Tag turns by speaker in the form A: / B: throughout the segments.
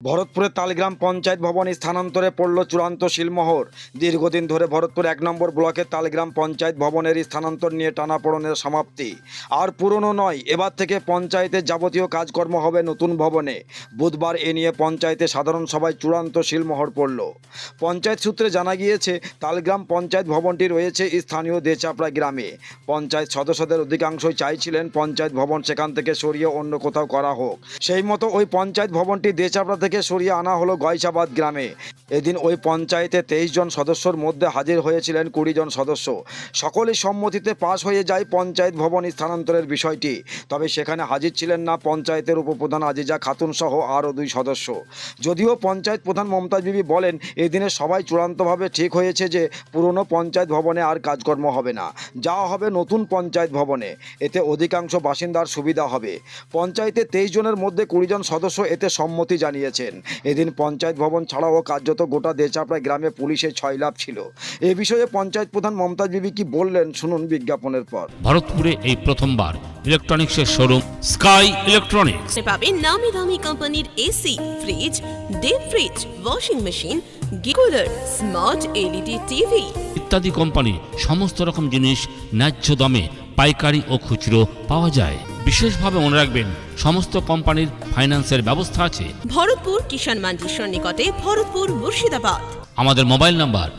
A: ভরতপুরের তালগ্রাম পঞ্চায়েত ভবন স্থানান্তরে পড়ল চূড়ান্ত শিলমোহর। দীর্ঘদিন ধরে ভরতপুর ১ নম্বর ব্লকের তালগ্রাম পঞ্চায়েত ভবনের স্থানান্তর নিয়ে টানাপোড়েনের সমাপ্তি আর পুরনো নয়। এবার থেকে পঞ্চায়েতের যাবতীয় কাজকর্ম হবে নতুন ভবনে। বুধবার এ নিয়ে পঞ্চায়েতে সাধারণ সভায় চূড়ান্ত শিলমোহর পড়ল। পঞ্চায়েত সূত্রে জানা গিয়েছে, তালগ্রাম পঞ্চায়েত ভবনটি রয়েছে স্থানীয় দেচাপড়া গ্রামে। পঞ্চায়েত সদস্যদের অধিকাংশই চাইছিলেন পঞ্চায়েত ভবন সেখান থেকে সরিয়ে অন্য কোথাও করা হোক। সেই মতো ওই পঞ্চায়েত ভবনটি দেচাপড়া থেকে সরিয়ে আনা হলো গয়সাবাদ গ্রামে। এদিন ওই পঞ্চায়েতে 23 জন সদস্যর মধ্যে হাজির হয়েছিলেন 20 জন সদস্য। সকলের সম্মতিতে পাশ হয়ে যায় পঞ্চায়েত ভবন স্থানান্তরের বিষয়টি। তবে সেখানে হাজির ছিলেন না পঞ্চায়েতের উপপ্রধান আজিজা খাতুন সহ আরও 2 সদস্য। যদিও পঞ্চায়েত প্রধান মমতাজ বিবি বলেন, এই দিনে সবাই চূড়ান্তভাবে ঠিক হয়েছে যে পুরনো পঞ্চায়েত ভবনে আর কাজকর্ম হবে না, যাওয়া হবে নতুন পঞ্চায়েত ভবনে। এতে অধিকাংশ বাসিন্দার সুবিধা হবে। পঞ্চায়েতে 23 জনের মধ্যে 20 জন সদস্য এতে সম্মতি জানিয়েছেন। এদিন পঞ্চায়েত ভবন ছাড়াও কার্যত গোটা দেচাপড়া গ্রামে পুলিশের ছয়লাভ ছিল। এ বিষয়ে পঞ্চায়েত প্রধান মমতাজ বিবি কি বললেন শুনুন বিজ্ঞাপনের পর।
B: ভারতপুরে এই প্রথমবার ইলেকট্রনিক্সের শোরুম স্কাই ইলেকট্রনিক্স
C: পাবেন নামি দামি কোম্পানির AC, fridge, deep fridge, washing machine, cooler, smart LED TV
B: ইত্যাদি কোম্পানি সমস্ত রকম জিনিস ন্যায্য দামে পাইকারি ও খুচরো পাওয়া যায়। বিশেষভাবে মনে রাখবেন, সমস্ত কোম্পানির ফাইন্যান্সের ব্যবস্থা আছে।
C: ভরতপুর কিষাণ মান্ডির সন্নিকটে, ভরতপুর, মুর্শিদাবাদ।
B: আমাদের মোবাইল নাম্বার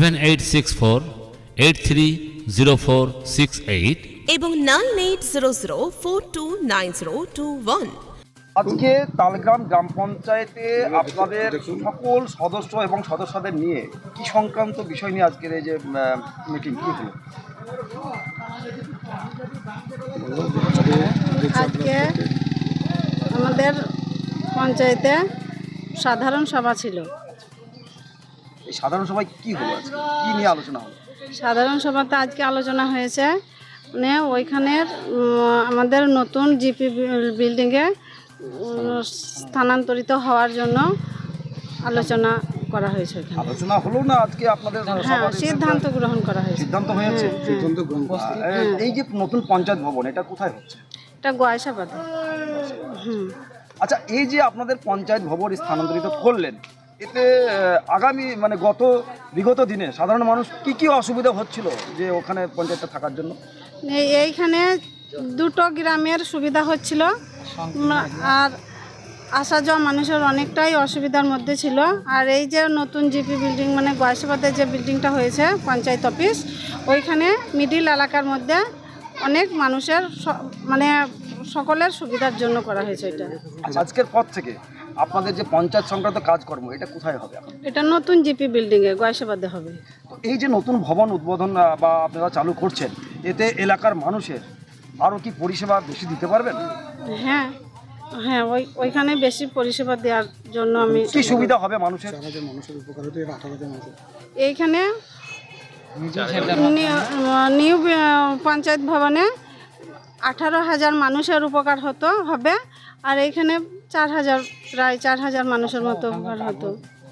B: 7864830468
C: এবং 9800429021।
A: আজকে তালগ্রাম গ্রাম পঞ্চায়েতে আপনাদের সকল সদস্য এবং সদস্যদের নিয়ে কি সংক্রান্ত বিষয় নিয়ে আজকের এই যে মিটিং কি হলো?
D: আজকে আমাদের পঞ্চায়েতে সাধারণ সভা ছিল।
A: এই সাধারণ সভায় কি হলো, আজকে কি নিয়ে আলোচনা হলো?
D: সাধারণ সভাতে আজকে আলোচনা হয়েছে, মানে ওইখানের আমাদের নতুন জিপি বিল্ডিংয়ে স্থানান্তরিত হওয়ার জন্য আলোচনা করা হয়েছে।
A: আলোচনা হলো না আজকে আপনাদের?
D: হ্যাঁ, সিদ্ধান্ত গ্রহণ করা হয়েছে।
A: সিদ্ধান্ত হয়েছে। এই যে নতুন পঞ্চায়েত ভবন, এটা কোথায় হচ্ছে?
D: এটা গয়সাবাদে।
A: আচ্ছা, এই যে আপনাদের পঞ্চায়েত ভবন স্থানান্তরিত করলেন, এতে আগামী মানে বিগত দিনে সাধারণ মানুষ কি কি অসুবিধা হচ্ছিল যে ওখানে পঞ্চায়েতটা থাকার জন্য?
D: এইখানে দুটো গ্রামের সুবিধা হচ্ছিল, আর আসা যাওয়া মানুষের অনেকটাই অসুবিধার মধ্যে ছিল। আর এই যে নতুন জিপি বিল্ডিং, মানে গয়সাবাদে যে বিল্ডিংটা হয়েছে পঞ্চায়েত অফিস, ওইখানে মিডিল এলাকার মধ্যে অনেক মানুষের মানে সকলের সুবিধার জন্য করা হয়েছে এটা।
A: আজকের পর থেকে আপনাদের যে পঞ্চায়েত সংক্রান্ত কাজকর্ম, এটা কোথায় হবে এখন?
D: এটা নতুন জিপি বিল্ডিংয়ে গয়সাবাদে হবে।
A: তো এই যে নতুন ভবন উদ্বোধন বা আপনারা চালু করছেন, এতে এলাকার মানুষের আরও কি পরিষেবা বেশি দিতে পারবেন?
D: হ্যাঁ হ্যাঁ, ওইখানে বেশি পরিষেবা দেওয়ার জন্য আমি।
A: কি সুবিধা হবে মানুষের?
D: এইখানে নিউ পঞ্চায়েত ভবনে 18,000 মানুষের উপকার হবে, আর এইখানে প্রায় 4,000 মানুষের মতো উপকার হতো।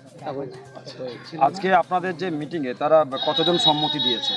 A: আজকে আপনাদের যে মিটিংয়ে তারা কতজন সম্মতি দিয়েছে?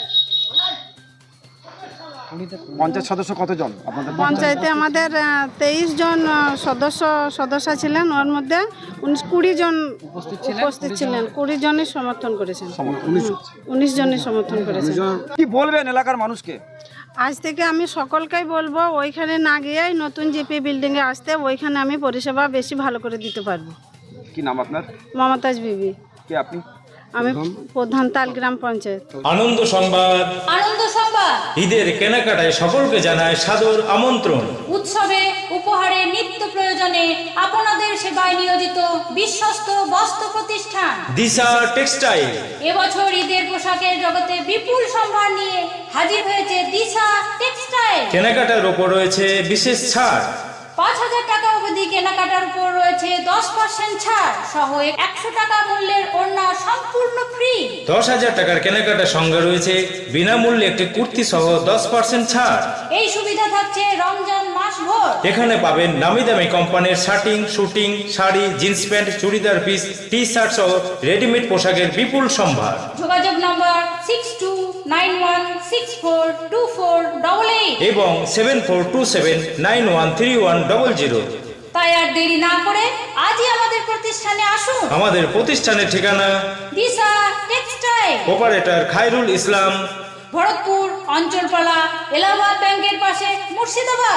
A: পঞ্চায়েত সদস্য কতজন আপনাদের
D: পঞ্চায়েতে? আমাদের 23 জন সদস্য ছিলেন, ওর মধ্যে 20 জন উপস্থিত ছিলেন। 20 জনই সমর্থন করেছেন, 19 জনই সমর্থন করেছেন।
A: কি বলবেন এলাকার মানুষকে?
D: আজ থেকে আমি সকলকেই বলবো, ওইখানে না গিয়েই নতুন জিপি বিল্ডিংয়ে আসতে, ওইখানে আমি পরিষেবা বেশি ভালো করে দিতে পারবো।
A: কি নাম আপনার?
D: মমতাজ বিবি।
A: কে আপনি?
D: আমি প্রধান তালগ্রাম পঞ্চায়েত।
E: আনন্দ সংবাদ ঈদের কেনাকাটায় সকলকে জানায় সাদর আমন্ত্রণ।
F: উৎসবে, উপহারে, নিত্য প্রয়োজনে আপনাদের সেবায় নিয়োজিত বিশ্বস্ত বস্ত্র প্রতিষ্ঠান
E: দিশা টেক্সটাইল
F: এবছর ঈদের পোশাকের জগতে বিপুল সম্ভার নিয়ে হাজির হয়েছে দিশা টেক্সটাইল।
E: কেনাকাটার ওপর রয়েছে বিশেষ ছাড়।
F: 5,000 টাকা অবধি কেনাকাটার উপর রয়েছে 10% ছাড় সহ 100 টাকা মূল্যের ওড়না সম্পূর্ণ ফ্রি।
E: 10,000 টাকার কেনাকাটার সঙ্গে রয়েছে বিনামূল্যে একটি কুর্তি সহ 10% ছাড়।
F: এই সুবিধা থাকছে রমজান মাস ভর।
E: এখানে পাবেন নামি দামি কোম্পানির shirting, suiting, sari, jeans pant, churidar piece, T shirt সহ রেডিমেড পোশাকের বিপুল সম্ভার।
F: যোগাযোগ নম্বর 6291642488
E: এবং 7427913100।
F: তাই আর দেরি না করে আজই আমাদের প্রতিষ্ঠানে আসুন।
E: আমাদের প্রতিষ্ঠানের ঠিকানা
F: দিশা টেক্সটাইল,
E: অপারেটর খায়রুল ইসলাম,
F: ভরতপুর অঞ্চলপালা, এলাহাবাদ ব্যাংকের পাশে, মুর্শিদাবাদ।